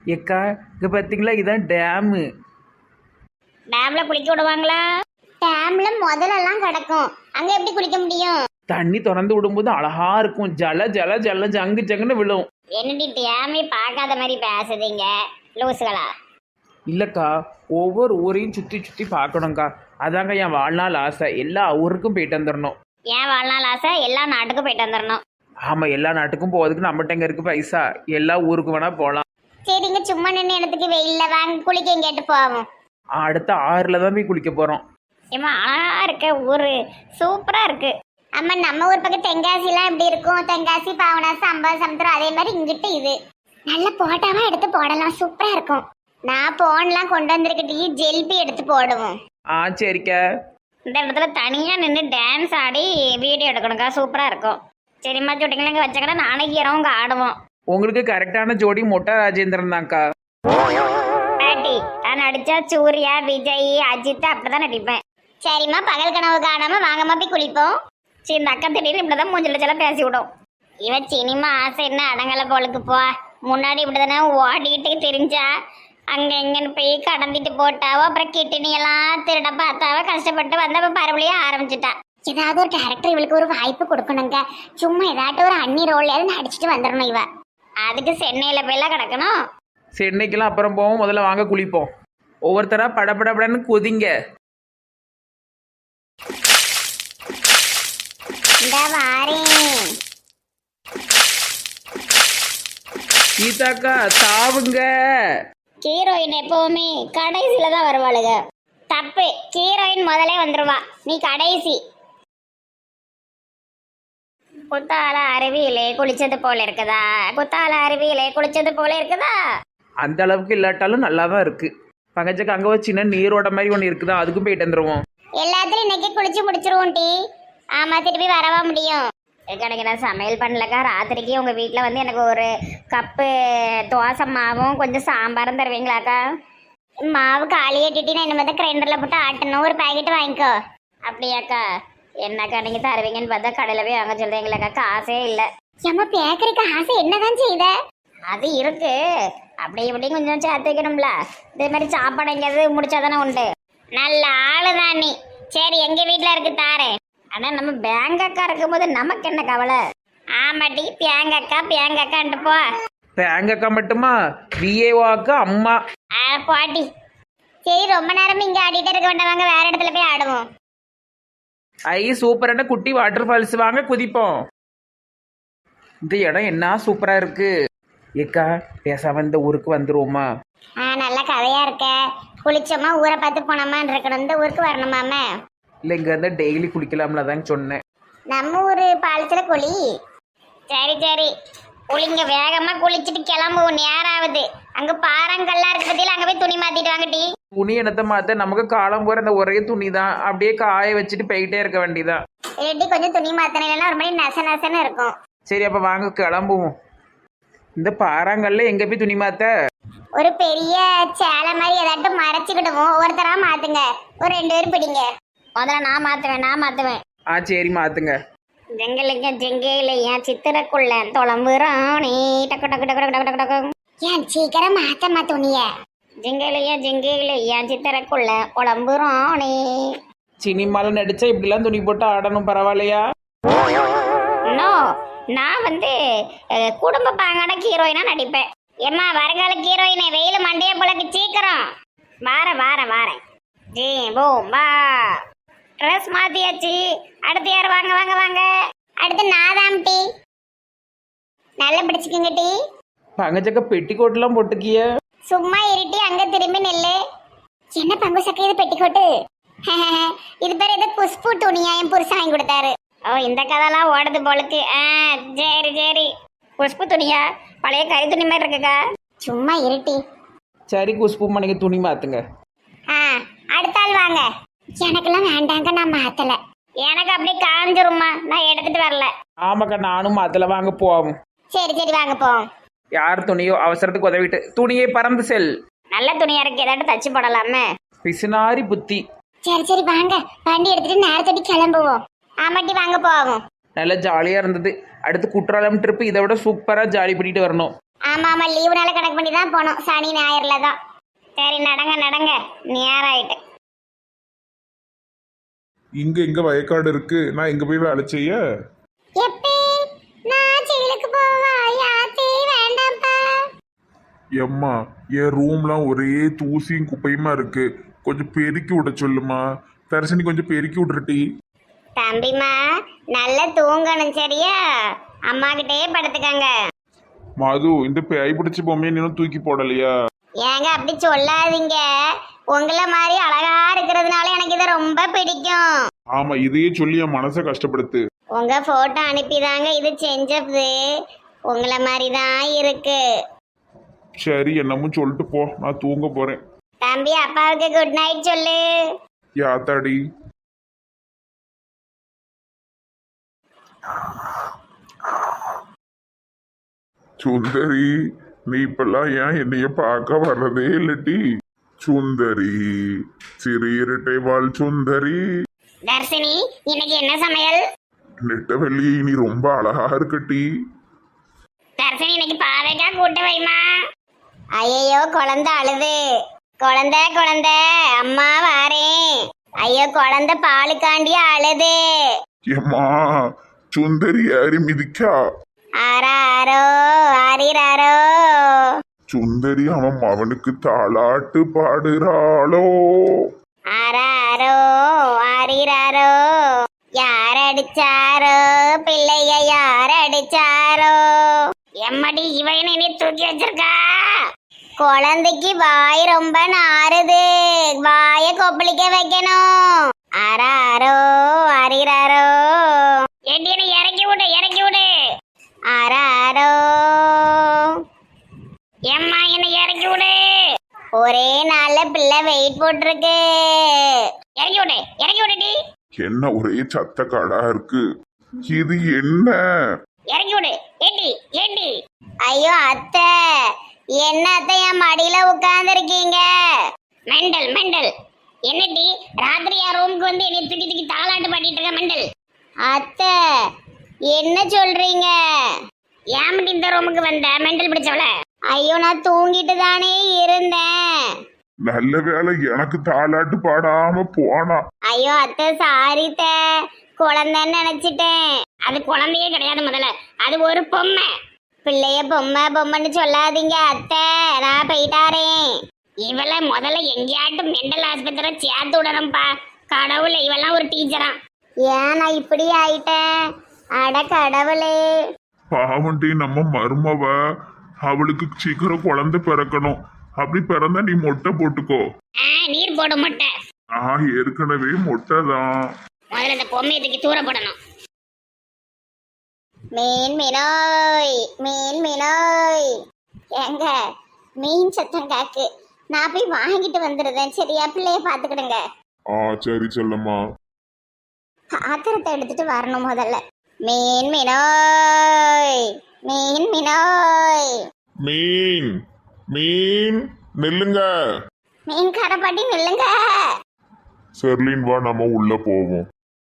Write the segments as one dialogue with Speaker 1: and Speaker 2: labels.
Speaker 1: ஏக்கா இங்கே பார்த்தீங்களா இதான் டேமு.
Speaker 2: டேம்ல குளிக்க விடுவாங்களா? டேம்ல முதல்லலாம் கிடக்கும், அங்க எப்படி குளிக்க முடியும்?
Speaker 1: தண்ணி திறந்து விடும்போது அழகா இருக்கும். ஜல ஜல ஜல ஜங்கு ஜங்குன்னு விழும்.
Speaker 2: என்னடி டேமே பார்க்காத மாதிரி பேசுதீங்க லூசுகளா?
Speaker 1: இல்லைக்கா, ஒவ்வொரு ஊரையும் சுற்றி சுற்றி பார்க்கணுங்க்கா. அதாங்க என் வாழ்நாள் ஆசை. எல்லா ஊருக்கும் போயிட்டு வந்துடணும்.
Speaker 2: ஏன் வாழ்நாள் ஆசை எல்லா நாட்டுக்கும் போயிட்டு வந்துடணும்.
Speaker 1: ஆமாம், எல்லா நாட்டுக்கும் போகிறதுக்கு நம்மகிட்ட எங்கே இருக்குது பைசா? எல்லா ஊருக்கு வேணால் போகலாம்.
Speaker 2: சரிங்க, சும்மா நின்று இடத்துக்கு வெயில்ல வாங்க குளிக்க கேட்டு போவோம்.
Speaker 1: அடுத்த ஆறில் தான் போய் குளிக்க போகிறோம்.
Speaker 2: ஏமா அழகா இருக்க ஊரு, சூப்பரா இருக்கு. அம்மா நம்ம ஊர் பக்கம் தென்காசிலாம் எப்படி இருக்கும்? தென்காசி, பாவனாசி, சமுத்திரம் அதே மாதிரி இங்கிட்டு இது நல்ல போட்டாவா எடுத்து போடலாம், சூப்பரா இருக்கும். நான் போன்லாம் கொண்டு வந்திருக்கிட்டு ஜெல்பி எடுத்து போடுவோம்.
Speaker 1: சரிக்கா.
Speaker 2: இந்த இடத்துல தனியா நின்று டான்ஸ் ஆடி வீடியோ எடுக்கணுக்கா, சூப்பரா இருக்கும். சரிம்மா, சுட்டிங்களா இங்கே வச்சக்கடா நானே இங்கே ஆடுவோம்.
Speaker 1: உங்களுக்கு கரெக்டான ஜோடி மொட்டா ராஜேந்திரன் தான்க்கா.
Speaker 2: பாட்டி நான் நடிச்சா சூர்யா, விஜய், அஜித் அப்படிதான் நடிப்பேன். சரிம்மா, பகல் கனவு காணாம வாங்கம்மா போய் குளிப்போம். சரி, இந்த அக்கா திடீர்னு இப்படிதான் மூஞ்சில செல்லாம் பேசி விடும். இவன் சினிமா ஆசை என்ன அடங்கலை போலுக்கு போ. முன்னாடி இப்படிதானே ஓடிட்டு தெரிஞ்சா அங்க எங்கன்னு போய் கடந்திட்டு போட்டாவோ, அப்புறம் கிட்டினியெல்லாம் திருட பார்த்தாவோ, கஷ்டப்பட்டு வந்த மறுபடியும் ஆரம்பிச்சுட்டா. ஏதாவது ஒரு கேரக்டர் இவளுக்கு ஒரு வாய்ப்பு கொடுக்கணுங்க. சும்மா ஏதாட்டும் ஒரு அண்ணி ரோல் நடிச்சுட்டு வந்துடணும் இவ. அதுக்கு சென்னையில போயெல்லாம் கிடக்கணும்.
Speaker 1: சென்னைக்கெல்லாம் அப்புறம் போவோம், முதல்ல வாங்க குளிப்போம். ஒவ்வொருத்தரா படபடன்னு கொதிங்க.
Speaker 2: இந்த வாரேன்
Speaker 1: கீதாக்கா சாவுங்க.
Speaker 2: ஹீரோயின் எப்பவுமே கடைசியில தான் வருவாளுங்க. தப்பு, ஹீரோயின் முதலே வந்துருவா, நீ கடைசி. குத்தால அருவியிலே குளிச்சது போல இருக்குதா? குத்தால அருவியிலே குளிச்சது போல இருக்குதா?
Speaker 1: அந்த அளவுக்கு இல்லாட்டாலும் நல்லா தான் இருக்கு. பங்கஜக்கு அங்கே ஒரு சின்ன நீரோட மாதிரி ஒன்று இருக்குதா, அதுக்கும் போயிட்டு வந்துடுவோம்.
Speaker 2: எல்லாத்துலயும் இன்னைக்கு குளிச்சு முடிச்சிருவோம் டி. ஆமா, திருப்பி வரவா முடியும்? எனக்கு நான் சமையல் பண்ணலக்கா. ராத்திரிக்கு உங்க வீட்டில் வந்து எனக்கு ஒரு கப்பு தோசை மாவும் கொஞ்சம் சாம்பாரும் தருவீங்களாக்கா? மாவு காலியாட்டிட்டு நான் இனிமேல் கிரைண்டரில் போட்டு ஆட்டணும். ஒரு பாக்கெட் வாங்கிக்கோ. அப்படியாக்கா? என்னக்கா நீங்க தருவீங்கன்னு பார்த்தா கடையில் போய் வாங்க சொல்றீங்களாக்கா? காசே இல்லை. ஏமா பேக்கரிக்கு ஆசை என்னதான் செய்த? அது இருக்கு, அப்படி இப்படி கொஞ்சம் சேர்த்து வைக்கணும்ல. இதே மாதிரி சாப்பாடு எங்கேயாவது முடிச்சாதானே உண்டு. நல்ல ஆளுதான் நீ. சரி, எங்க வீட்டில் இருக்கு தாரே. ஆனா நம்ம பேங்க் அக்கா இருக்கும்போது நமக்கு என்ன கவலை? ஆமாட்டி, பேங்க் அக்கான்ட்டு போ.
Speaker 1: பேங்க் அக்கா மட்டுமா? விஏஓ அக்கா அம்மா.
Speaker 2: பாட்டி. சரி, ரொம்ப நேரம் இங்க ஆடிட்டே இருக்க வேண்டாம், வேற இடத்துல போய் ஆடுவோம்.
Speaker 1: சூப்பரான குட்டி வாட்டர் ஃபால்ஸ், வாங்க குதிப்போம். இந்த இடம் என்ன சூப்பரா இருக்கு. ஏக்கா பேசாம இந்த ஊருக்கு வந்துருவோமா?
Speaker 2: நல்ல கதையா இருக்க. குளிச்சோமா ஊரை பார்த்து போனோமான்னு இருக்கணும். இந்த ஊருக்கு வரணுமாமே?
Speaker 1: இல்லை, இங்க இருந்தா டெய்லி குளிக்கலாம்ல தான் சொன்னேன்.
Speaker 2: நம்ம ஊரு பாலத்துல குளி. சரி சரி, குளிங்க, வேகமா குளிச்சுட்டு கிளம்புவோம். நேரம் ஆகுது. அங்க பாறாங்கல்லாம் இருக்கு பத்தியில, அங்க போய் துணி மாத்திட்டு வாங்கட்டி.
Speaker 1: துணி என்னத்தை மாத்த, நமக்கு காலம் போற அந்த ஒரே துணி தான். அப்படியே காய வச்சுட்டு போயிட்டே இருக்க வேண்டியதான்.
Speaker 2: இல்லாட்டி கொஞ்சம் துணி மாத்தினா ஒரு மாதிரி நச நசன்னு இருக்கும்.
Speaker 1: சரி, அப்ப வாங்க கிளம்புவோம். இந்த பாறாங்கல்ல எங்க போய் துணி மாத்த?
Speaker 2: ஒரு பெரிய சேலை மாதிரி ஏதாட்டும் மறைச்சுக்கிடுவோம். ஒவ்வொருத்தரா மாத்துங்க. ஒரு 2 பேரும் பிடிங்க. முதல்ல நான் மாத்துவேன்.
Speaker 1: சரி மாத்துங்க.
Speaker 2: ஜெங்கலிங்க ஜெங்கேலையன் சித்திரக்குள்ள தொளம்புறானே டக்கு டக்கு டக்கு டக்கு டக்கு டக்கு. ஏன் சீக்கிரம் மாத்தம்மா துணிய. ஜெங்கேலையன் சித்திரக்குள்ள குழம்புறானே.
Speaker 1: சினிமால நடிச்சா இப்படிலாம் துணி போட்டு ஆடணும், பரவாயில்லையா?
Speaker 2: நோ, நான் வந்து குடும்ப பாங்கான ஹீரோயினா நடிப்பேன். ஏம்மா வருங்கால ஹீரோயினை வெயில் மண்டைய போலக்கு சீக்கிரம். வாரேன். ஜீ பூம்பா ட்ரெஸ் மாத்தியாச்சு. அடுத்து யார்? வாங்க. அடுத்து நாதாம் டீ. நல்லா பிடிச்சிக்குங்க டீ.
Speaker 1: பங்கஜக்க பெட்டிக்கோட்டெல்லாம் போட்டுக்கிய.
Speaker 2: சும்மா இருட்டி, அங்க திரும்பி நெல்லு. என்ன பங்கு சக்கை இது பெட்டிக்கோட்டு? இது பேர் ஏதோ குஷ்பு துணியா என் புருஷன் வாங்கி கொடுத்தாரு. ஓ, இந்த கதைலாம் ஓடுது போலுக்கு. சரி. குஷ்பு துணியா? பழைய கறி துணி மாதிரி இருக்குக்கா. சும்மா இருட்டி.
Speaker 1: சரி குஷ்புமா, நீங்க துணி மாத்துங்க.
Speaker 2: அடுத்த ஆள் வாங்க. எனக்கெல்லாம் வேண்டாங்க, நான் மாத்தல. எனக்கு அப்படியே காஞ்சிருமா, நான் எடுத்துட்டு வரல.
Speaker 1: ஆமாக்கா, நானும் மாத்தல. வாங்க போவோம்.
Speaker 2: சரி வாங்க போவோம்.
Speaker 1: யார் துணியோ அவசரத்துக்கு உதவிட்டு துணியை பறந்து செல்.
Speaker 2: நல்ல துணியா இருக்கு, ஏதாட்டும் தச்சு போடலாமே.
Speaker 1: பிசுனாரி புத்தி.
Speaker 2: சரி வாங்க, வண்டி எடுத்துட்டு நேரத்தடி கிளம்புவோம். ஆமாட்டி, வாங்க போவோம்.
Speaker 1: நல்லா ஜாலியா இருந்தது. அடுத்து குற்றாலம் ட்ரிப் இதை விட சூப்பரா ஜாலி பண்ணிட்டு வரணும்.
Speaker 2: ஆமா ஆமா, லீவுனால கணக்கு பண்ணி தான் போனோம், சனி ஞாயிறுல தான். சரி நடங்க நடங்க, நேரம் ஆயிட்டு.
Speaker 3: இங்க வயக்காடு இருக்கு, நான் இங்க போய் வேலை செய்ய.
Speaker 2: எப்பே நான் ஜெயிலுக்கு போவா? யாத்தே வேண்டாம்ப்பா.
Speaker 3: எம்மா, என் ரூம்லாம் ஒரே தூசியும் குப்பையுமா இருக்கு, கொஞ்சம் பெருக்கி விட சொல்லுமா. தரிசனி கொஞ்சம் பெருக்கி விட்றட்டி.
Speaker 2: தம்பிமா நல்லா தூங்கணும் சரியா? அம்மா கிட்டயே படுத்துக்கங்க.
Speaker 3: மது, இந்த பேய் பிடிச்ச பொம்மையை நீனும் தூக்கி போடலையா?
Speaker 2: ஏங்க அப்படி சொல்லாதீங்க, உங்களை மாதிரி அழகா இருக்கிறதுனால எனக்கு இதை ரொம்ப பிடிக்கும்.
Speaker 3: ஆமா, இதையே சொல்லி என் மனசை கஷ்டப்படுத்து.
Speaker 2: உங்க போட்டோ அனுப்பிதாங்க இது செஞ்சது, உங்களை மாதிரி தான் இருக்கு.
Speaker 3: சரி, என்னமும் சொல்லிட்டு போ, நான் தூங்க போறேன்.
Speaker 2: தம்பி அப்பாவுக்கு குட் நைட் சொல்லு.
Speaker 3: யாத்தாடி. சுந்தரி, நீ இப்பெல்லாம் ஏன் என்னைய பார்க்க வர்றதே இல்லட்டி? சுந்தரி, சிறு இரட்டை வாழ் சுந்தரி.
Speaker 2: தர்ஷினி, இன்னைக்கு என்ன சமையல்?
Speaker 3: நெட்டவெள்ளி, நீ ரொம்ப அழகா இருக்கட்டி.
Speaker 2: தர்ஷினி, இன்னைக்கு பாவைக்கா கூட்டு வைமா. ஐயோ குழந்தை அழுது. குழந்தை குழந்தை அம்மா வாரேன். ஐயோ குழந்தை பாலுக்காண்டியே அழுது.
Speaker 3: ஏம்மா, சுந்தரி யாரி மிதிக்கா?
Speaker 2: ஆராரோ ஆரிராரோ.
Speaker 3: சுந்தரி அவன் அவனுக்கு தாளாட்டு பாடுறாளோ?
Speaker 2: ஆராரோ ஆரிராரோ. யார் அடிச்சாரோ பிள்ளைய, யார் அடிச்சாரோ? எம்மடி இவன் என்னை தூக்கி வச்சிருக்கா. குழந்தைக்கு வாய் ரொம்ப நாறுது, வாய கொப்பளிக்க வைக்கணும். ஆராரோ ஆரிராரோ. ஏண்டி என்னை இறக்கி விடு, இறக்கி விடு. ஆராரோ. எம்மா என்னை இறக்கி விடு. ஒரே நாள்ல பிள்ளை வெயிட் போட்டிருக்கு. இறக்கி விடு, இறக்கி விடுடி.
Speaker 3: என்ன ஒரே சத்த காடா இருக்கு, இது என்ன?
Speaker 2: இறக்கி விடு. ஏண்டி ஏண்டி? ஐயோ அத்தை, என்ன அத்தை என் மடியில உட்கார்ந்து இருக்கீங்க? Mental mental. என்னடி ராத்திரியா ரூமுக்கு வந்து என்னை தூக்கி தூக்கி தாளாட்டு பாடிட்டு இருக்க மெண்டல்? அத்தை என்ன சொல்றீங்க? ஏன் இந்த ரூமுக்கு வந்த மெண்டல் பிடிச்சவள? ஐயோ நான் தூங்கிட்டு தானே இருந்தேன்.
Speaker 3: நல்ல வேலை எனக்கு தாளாட்டு பாடாம போனா.
Speaker 2: ஐயோ அத்தை சாரி த, குழந்தைன்னு நினைச்சிட்டேன். அது குழந்தையே கிடையாது, முதல்ல அது ஒரு பொம்மை. பிள்ளைய பொம்மை பொம்மைன்னு சொல்லாதீங்க அத்தை, நான் போயிட்டாரேன். இவளை முதல்ல எங்கேயாட்டும் மெண்டல் ஆஸ்பத்திரி சேர்த்து விடணும்ப்பா. கடவுளே, இவெல்லாம் ஒரு டீச்சரா? ஏன் நான் இப்படி ஆயிட்டேன்? அட கடவுளே.
Speaker 3: பாவண்டி, நம்ம மருமவ, அவளுக்கு சீக்கிரம் குழந்தை பிறக்கணும். அப்படி பிறந்தா நீ மொட்டை போட்டுக்கோ.
Speaker 2: நீர் போட மொட்டை.
Speaker 3: நான் ஏற்கனவே மொட்டை தான்.
Speaker 2: முதல்ல இந்த பொம்மையை தூக்கி தூர போடணும். மீன் மீனோய், மீன் மீனோய். ஏங்க மீன் சத்தம் காக்கு, நான் போய் வாங்கிட்டு வந்துடுறேன் சரியா? பிள்ளைய பாத்துக்கிடுங்க.
Speaker 3: சரி செல்லம்மா.
Speaker 2: பாத்திரத்தை எடுத்துட்டு வரணும் முதல்ல. மீன் மீனோய், மீன் மீனோய்.
Speaker 3: மீன் மீன் நில்லுங்க.
Speaker 2: மீன் கரப்பாட்டி நில்லுங்க.
Speaker 3: செர்லின் வா, நம்ம உள்ள போவோம்.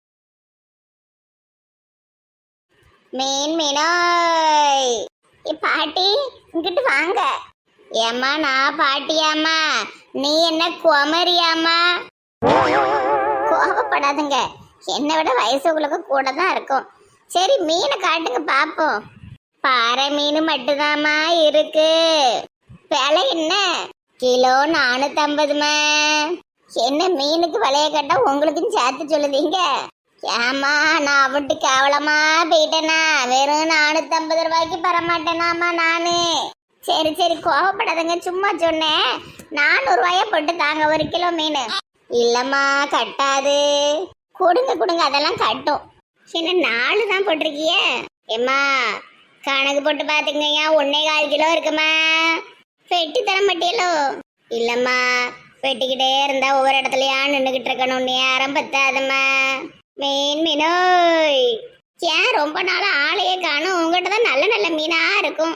Speaker 2: மீன் மீனோய். பாட்டி இங்கிட்டு வாங்க. ஏம்மா நான் பாட்டியாம்மா, நீ என்ன குமரியாம்மா? கோபப்படாதுங்க, என்னை விட வயசு உங்களுக்கு கூட தான் இருக்கும். சரி மீனை காட்டுங்க பாப்போம். பாறை மீன் மட்டும்தாம்மா இருக்கு. விலை என்ன? கிலோ 450மா. என்ன மீனுக்கு விலைய கேட்டா உங்களுக்கும் சேர்த்து சொல்லுதீங்க? ஏமா நான் அவட்டு கேவலமா போயிட்டேனா? வெறும் 450 ரூபாய்க்கு பெறமாட்டேனாமா நானு. சரி சரி கோவப்படாதங்க, சும்மா சொன்னேன். 400 ரூபாய போட்டு தாங்க 1 கிலோ மீன். இல்லம்மா கட்டாது. கொடுங்க கொடுங்க, அதெல்லாம் கட்டும். என்ன 4 தான் போட்டிருக்கிய? ஏம்மா கணக்கு போட்டு பாத்துக்கங்க, 1.25 கிலோ இருக்குமா? வெட்டி தர மாட்டியலோ? இல்லம்மா, வெட்டிக்கிட்டே இருந்தா ஒவ்வொரு இடத்துலயா நின்றுகிட்டு இருக்கணும், நேரம் பத்தாதம்மா. மீன் மீனோய். ஏன் ரொம்ப நாள் ஆளையே காணும்? உங்ககிட்ட தான் நல்ல நல்ல மீனா இருக்கும்.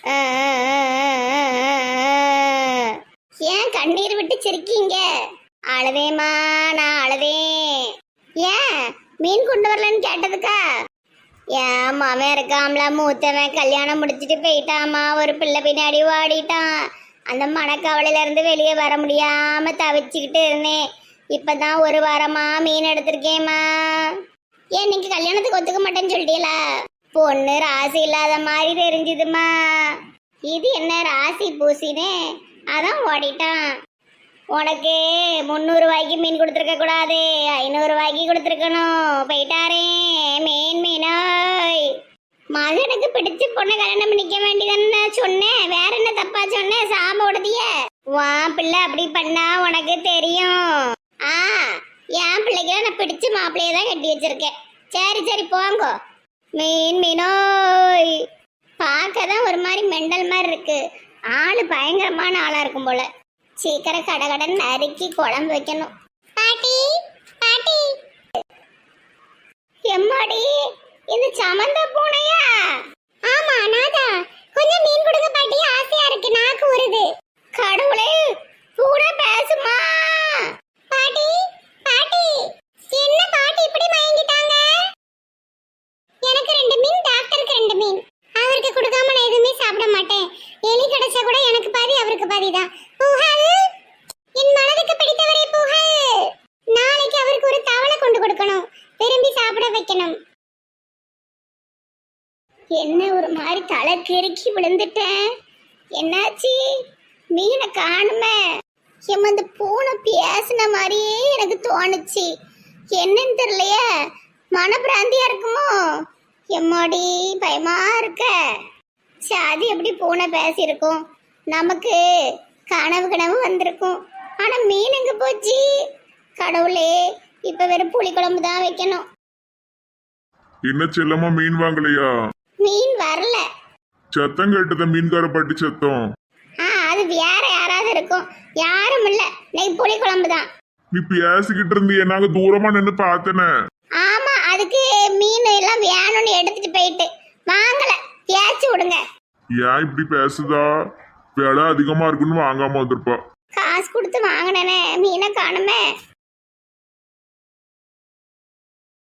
Speaker 2: ஏன் கண்ணீர் விட்டு சிரிக்கீங்க? அழுதேம்மா, நான் அழுதேன். ஏன் மீன் கொண்டு வரலன்னு கேட்டதுக்கா? என் மாமன் இருக்காம்ல மூத்தவன் கல்யாணம் முடிச்சிட்டு போயிட்டாமா, ஒரு பிள்ளை பின்னாடி ஓடிட்டான். அந்த மனக்கவலையில இருந்து வெளியே வர முடியாம தவிச்சுக்கிட்டு இருந்தேன். இப்பதான் ஒரு வாரமா மீன் எடுத்திருக்கேம்மா. ஏன் நீங்க கல்யாணத்துக்கு ஒத்துக்க மாட்டேன்னு சொல்லிட்டீங்களா? பொண்ணு ராசி இல்லாத மாதிரி தெரிஞ்சுதுமா. இது என்ன ராசி பூசினே, அதான் ஓடிட்டான். உனக்கு 300 ரூபாய்க்கு மீன் கொடுத்துருக்க கூடாது, 500 ரூபாய்க்கு கொடுத்துருக்கணும். போயிட்டாரே மீனாய். மகனுக்கு பிடிச்ச பொண்ணை கல்யாணம் பண்ணிக்க வேண்டியதானே சொன்னேன், வேற என்ன தப்பா சொன்னேன்? சாம உடதிய வா பிள்ளை அப்படி பண்ணா உனக்கு தெரியும். என் பிள்ளைக்கு நான் பிடிச்ச மாப்பிள்ளைய தான் கட்டி வச்சிருக்கேன். சரி சரி போங்கோ. மீனோய் பார்க்கதான் ஒரு மாதிரி மெண்டல் மாதிரி இருக்கு. ஆளு பயங்கரமான ஆளா இருக்கும் போல. சீக்கிரம் கடகடன் நறுக்கி குழம்பு வைக்கணும். பாட்டி பாட்டி எம்மாடி இந்த சமந்த பூனையா? ஆமா நாதா, கொஞ்சம் மீன் கொடுங்க பாட்டி, ஆசையா இருக்கு, நாக்கு ஊறுது. கடவுளே, பூனை பேசுமா? பாட்டி பாட்டி என்ன பாட்டி இப்படி மயங்கிட்டாங்க? எனக்கு 2 மீன், டாக்டருக்கு 2 மீன். அவருக்கு கொடுக்காம நான் எதுவுமே சாப்பிட மாட்டேன். எலி கிடைச்சா கூட எனக்கு பாதி அவருக்கு பாதி தான். புகழ், என் மனதுக்கு பிடித்தவரே புகழ். நாளைக்கு அவருக்கு ஒரு தவளை கொண்டு கொடுக்கணும், விரும்பி சாப்பிட வைக்கணும். என்ன ஒரு மாதிரி தலை கிறுக்கி விழுந்துட்டேன். என்னாச்சு? மீனை காணுமே. இந்த பூனை பேசின மாதிரியே எனக்கு தோணுச்சு. என்னன்னு தெரியலையே, மனப்பிராந்தியா இருக்குமோ? எம்மாடி பயமா இருக்க. சாதி எப்படி பூனை பேசியிருக்கும்? நமக்கு கனவு வந்திருக்கும். ஆனா மீன் எங்க போச்சு? கடவுளே, இப்ப வெறும் புளி குழம்பு தான் வைக்கணும்.
Speaker 3: என்ன செல்லமா மீன் வாங்கலையா?
Speaker 2: மீன் வரல.
Speaker 3: சத்தம் கேட்டத மீன்கார பாட்டி சத்தம்.
Speaker 2: அது வேற யாராவது இருக்கும், யாரும் இல்ல. இன்னைக்கு புளி குழம்பு தான்.
Speaker 3: நீ பேசிக்கிட்டு இருந்திய, நாங்க தூரமா நின்று பார்த்தனே.
Speaker 2: ஆமா, அதுக்கு மீன் எல்லாம் வேணும்னு எடுத்துட்டு போயிட்டு வாங்கல. பேச்சு விடுங்க.
Speaker 3: ஏன் இப்படி பேசுதா? விலை அதிகமா இருக்குன்னு வாங்காம வந்திருப்பா.
Speaker 2: காசு கொடுத்து வாங்கினேனே, மீனை காணுமே.